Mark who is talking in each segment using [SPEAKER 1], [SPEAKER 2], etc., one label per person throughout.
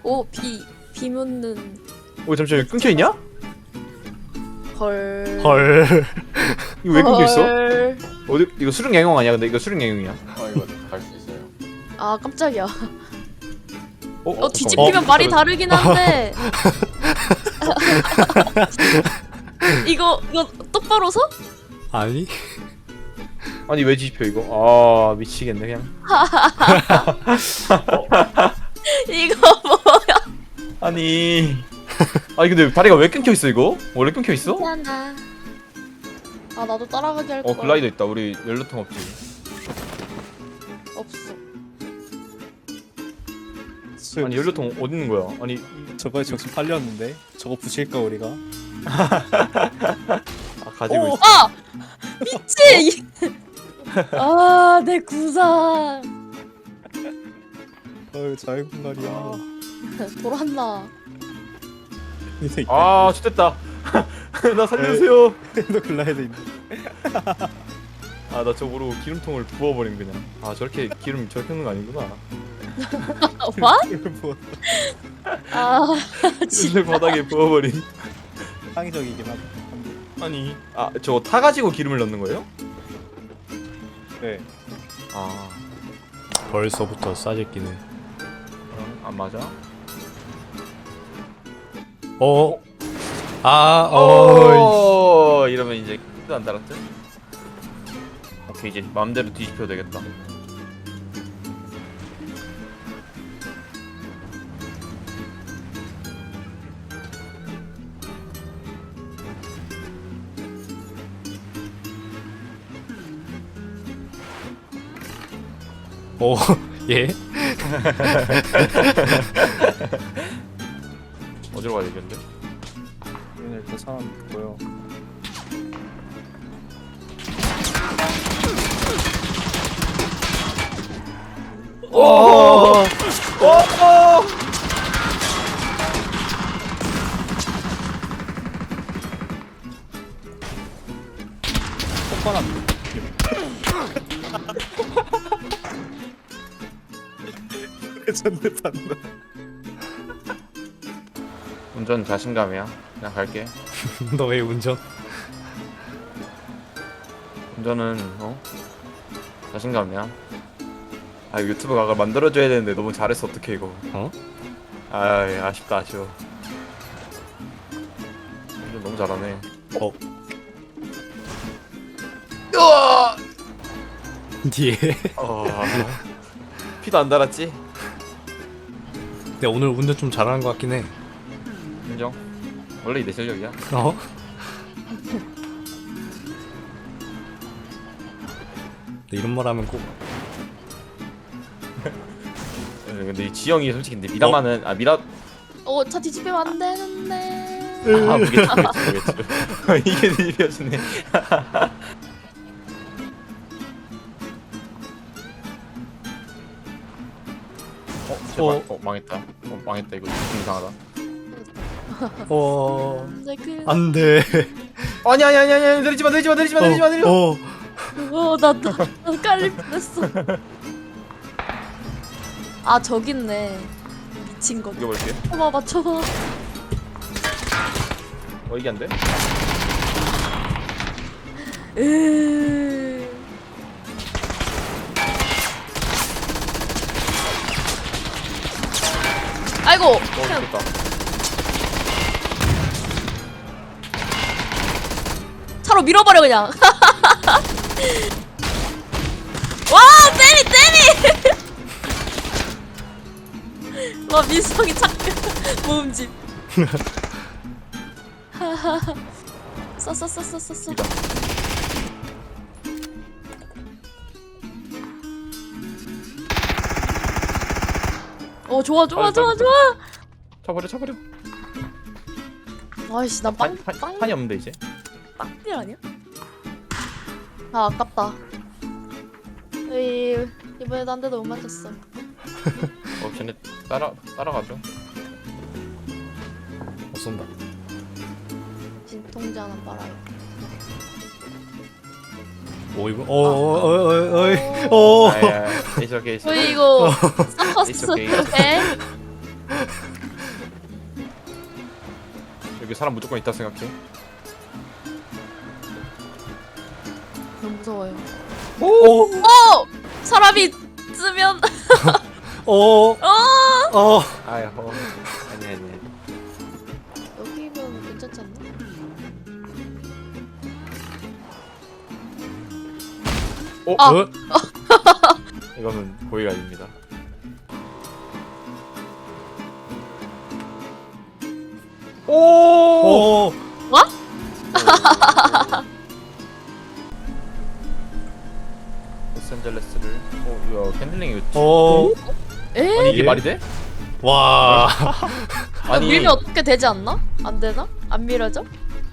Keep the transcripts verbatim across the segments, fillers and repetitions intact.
[SPEAKER 1] 오, 비, 비 묻는.
[SPEAKER 2] 오 잠시만 끊겨 있냐?
[SPEAKER 1] 헐.
[SPEAKER 3] 헐.
[SPEAKER 2] 이거 왜 끊겨 있어?
[SPEAKER 1] 헐.
[SPEAKER 2] 어디 이거 수륙 양용 아니야? 근데 이거 수륙 양용이야.
[SPEAKER 4] 어 이거 갈 수 있어요.
[SPEAKER 1] 아, 깜짝이야.
[SPEAKER 2] 어,
[SPEAKER 1] 어, 뒤집히면 말이 다르긴 한데. 이거, 이거 똑바로 서?
[SPEAKER 3] 아니?
[SPEAKER 2] 아니 왜 뒤집혀 이거? 아 미치겠네 그냥.
[SPEAKER 1] 이거 뭐야?
[SPEAKER 2] 아니. 아니 근데 다리가 왜 끊겨 있어 이거? 원래 끊겨 있어?
[SPEAKER 1] 미안하. 아, 나도 따라가게 할 거야.
[SPEAKER 2] 어 글라이더 있다. 우리 연료통 없지.
[SPEAKER 1] 없어.
[SPEAKER 2] 아니 연료통 어디 있는 거야? 아니
[SPEAKER 3] 저거에 정신 팔렸는데? 저거 부실까 우리가?
[SPEAKER 2] 아 가지고
[SPEAKER 3] 오!
[SPEAKER 2] 있어.
[SPEAKER 1] 아! 미치! 아, 내 구상.
[SPEAKER 3] 어휴 자유분갈이야.
[SPEAKER 1] 아. 돌았나?
[SPEAKER 3] 이 새끼.
[SPEAKER 2] 아 좋됐다. 나 살려주세요.
[SPEAKER 3] 너 글라이더 있네.
[SPEAKER 2] 아 나 저거로 기름통을 부어버림 그냥. 아 저렇게 기름 저렇게 넣는 거 아니구나.
[SPEAKER 1] 와?
[SPEAKER 3] 뭐
[SPEAKER 1] 아,
[SPEAKER 2] 진짜 바닥에 부어버린.
[SPEAKER 3] 창의적이긴 하다.
[SPEAKER 2] 아니 아 저거 타가지고 기름을 넣는 거예요?
[SPEAKER 3] 네.
[SPEAKER 2] 아
[SPEAKER 3] 벌써부터 싸질기네.
[SPEAKER 2] 어, 안 맞아?
[SPEAKER 3] 어? 아, 어.
[SPEAKER 2] 어 이러면 이제 X도 안 달았지? 오케이 이제 마음대로 뒤집혀도 되겠다.
[SPEAKER 3] 어, 예?
[SPEAKER 2] 어디로 가야 되겠는데?
[SPEAKER 3] 얘는 일단 사람 있고요.
[SPEAKER 2] 오! 오!
[SPEAKER 3] 폭발함. 전대 판다.
[SPEAKER 2] 운전 자신감이야. 그냥 갈게.
[SPEAKER 3] 너 왜 운전?
[SPEAKER 2] 운전은 어? 자신감이야. 아 유튜브 각을 만들어줘야 되는데 너무 잘했어. 어떡해 이거.
[SPEAKER 3] 어?
[SPEAKER 2] 아 아쉽다 아쉬워. 운전 너무 잘하네.
[SPEAKER 3] 어?
[SPEAKER 2] 으아!
[SPEAKER 3] 뒤에.
[SPEAKER 2] 어... 피도 안 달았지?
[SPEAKER 3] 근데 오늘 운전 좀 잘하는 것 같긴 해.
[SPEAKER 2] 인정. 원래 내 실력이야.
[SPEAKER 3] 어? 근데 이런 말 하면 꼭
[SPEAKER 2] 근데 이 지영이 솔직히 근데 미라마는 아 미라
[SPEAKER 1] 어, 차 뒤집히면 안 되는데.
[SPEAKER 2] 아 무게추 무게추 무게추 이게 뒤집혀지네. 어 제발
[SPEAKER 3] 어.
[SPEAKER 2] 어, 망했다. 어 망했다 이거 좀 이상하다.
[SPEAKER 3] 어...
[SPEAKER 1] 근데 그,
[SPEAKER 3] 안 돼.
[SPEAKER 2] 아니 아니 아니 아니 내리지 마 내리지 마 내리지 마 내리지 마 내리지 마.
[SPEAKER 3] 어.
[SPEAKER 1] 어, 나, 나, 나 깔릴 뻔했어. 아, 저기 있네. 미친 거.
[SPEAKER 2] 이거 볼게.
[SPEAKER 1] 쳐봐, 맞춰봐.
[SPEAKER 2] 어 이게 안 돼?
[SPEAKER 1] 으. 아이고.
[SPEAKER 2] 어
[SPEAKER 1] 그냥
[SPEAKER 2] 됐다.
[SPEAKER 1] 차로 밀어버려 그냥. 와, 때리 때리. 와, 민성이 착해. 모음집. 써써써써써.
[SPEAKER 2] 이다.
[SPEAKER 1] 어, 좋아 좋아
[SPEAKER 2] 빨리,
[SPEAKER 1] 좋아
[SPEAKER 2] 빨리,
[SPEAKER 1] 좋아.
[SPEAKER 2] 쳐버려 쳐버려.
[SPEAKER 1] 아이씨, 나 빵,
[SPEAKER 2] 판, 판,
[SPEAKER 1] 빵,
[SPEAKER 2] 판이 없는데 이제.
[SPEAKER 1] 빵딜 아니야? 아, 아깝다. 에이, 이번에도 한 대도 못 맞췄어.
[SPEAKER 2] 어 쟤네 따라 따라가죠.
[SPEAKER 3] 어 쏜다.
[SPEAKER 1] 진통제 하나 빨아요.
[SPEAKER 3] 오 이거 어어어어어 어.
[SPEAKER 2] 아야, it's okay, it's okay.
[SPEAKER 1] 저희 이거
[SPEAKER 2] It's
[SPEAKER 1] 서커스
[SPEAKER 2] okay.
[SPEAKER 1] 해?
[SPEAKER 2] 여기 사람 무조건 있다 생각해.
[SPEAKER 1] 너무 무서워요.
[SPEAKER 3] 오!
[SPEAKER 1] 어! 사람이 쓰면
[SPEAKER 3] 오!
[SPEAKER 1] 어!
[SPEAKER 3] 어!
[SPEAKER 2] 아야 어. 아니 아니.
[SPEAKER 1] 여기면 괜찮지 않나?
[SPEAKER 2] 어?
[SPEAKER 1] 아.
[SPEAKER 3] 어?
[SPEAKER 2] 이거는 고의가 아닙니다. 오!
[SPEAKER 3] 오!
[SPEAKER 1] 뭐?
[SPEAKER 2] 로스앤젤레스를 어, 야 캔들링이 왜
[SPEAKER 3] 오!
[SPEAKER 1] 에?
[SPEAKER 2] 아니 이게
[SPEAKER 3] 예?
[SPEAKER 2] 말이 돼?
[SPEAKER 3] 와!
[SPEAKER 1] 아니 밀면 어떻게 되지 않나? 안 되나? 안 밀어져?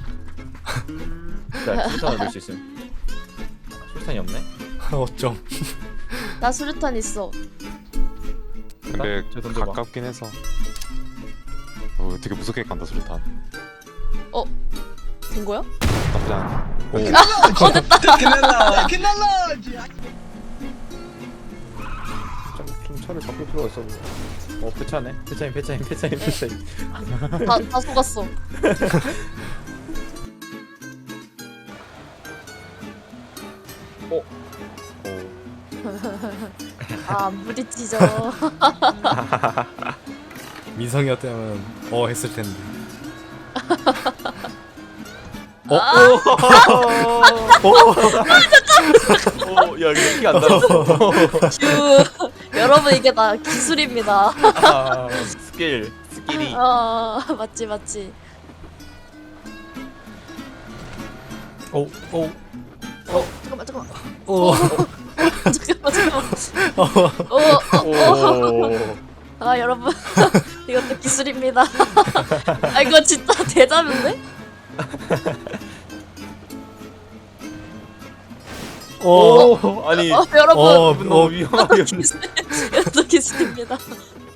[SPEAKER 2] 자, 술탄을 넣을 수 있음. 술탄이 없네.
[SPEAKER 3] 어쩜.
[SPEAKER 1] 나 수류탄 있어.
[SPEAKER 4] 근데
[SPEAKER 2] 저 던져봐.
[SPEAKER 4] 가깝긴 해서 어, 되게 무섭게 간다 수류탄.
[SPEAKER 1] 된 거야?
[SPEAKER 4] 나쁘지 않아.
[SPEAKER 3] 오.
[SPEAKER 1] 어 됐다.
[SPEAKER 2] 좀, 좀 차를 바꿀 필요가 있어. 어 폐차네. 폐차인 폐차인 폐차인 폐차인.
[SPEAKER 1] 다, 다 속았어.
[SPEAKER 2] 어.
[SPEAKER 1] 아 물이 찢어.
[SPEAKER 3] 민성이었다면 어 했을 텐데.
[SPEAKER 2] 어?
[SPEAKER 1] 아,
[SPEAKER 3] 오!
[SPEAKER 2] 어, 야 이거 피가 안 달았어.
[SPEAKER 1] 휴. 여러분 이게 다 기술입니다.
[SPEAKER 2] 아, 스킬 스킬이.
[SPEAKER 1] 어 맞지 맞지.
[SPEAKER 3] 오! 오!
[SPEAKER 1] 어 잠깐만 잠깐만.
[SPEAKER 3] 오!
[SPEAKER 1] 잠깐만 잠깐만.
[SPEAKER 3] 어.
[SPEAKER 1] 어, 어, 어.
[SPEAKER 2] 오.
[SPEAKER 1] 아 여러분 이것도 기술입니다. 아 이거 진짜 대자뷰인데?
[SPEAKER 3] 오!
[SPEAKER 2] 오. 아니
[SPEAKER 1] 어 여러분
[SPEAKER 3] 어,
[SPEAKER 2] 이분 너무
[SPEAKER 3] 어.
[SPEAKER 2] 위험하게.
[SPEAKER 1] 이것도 기술입니다.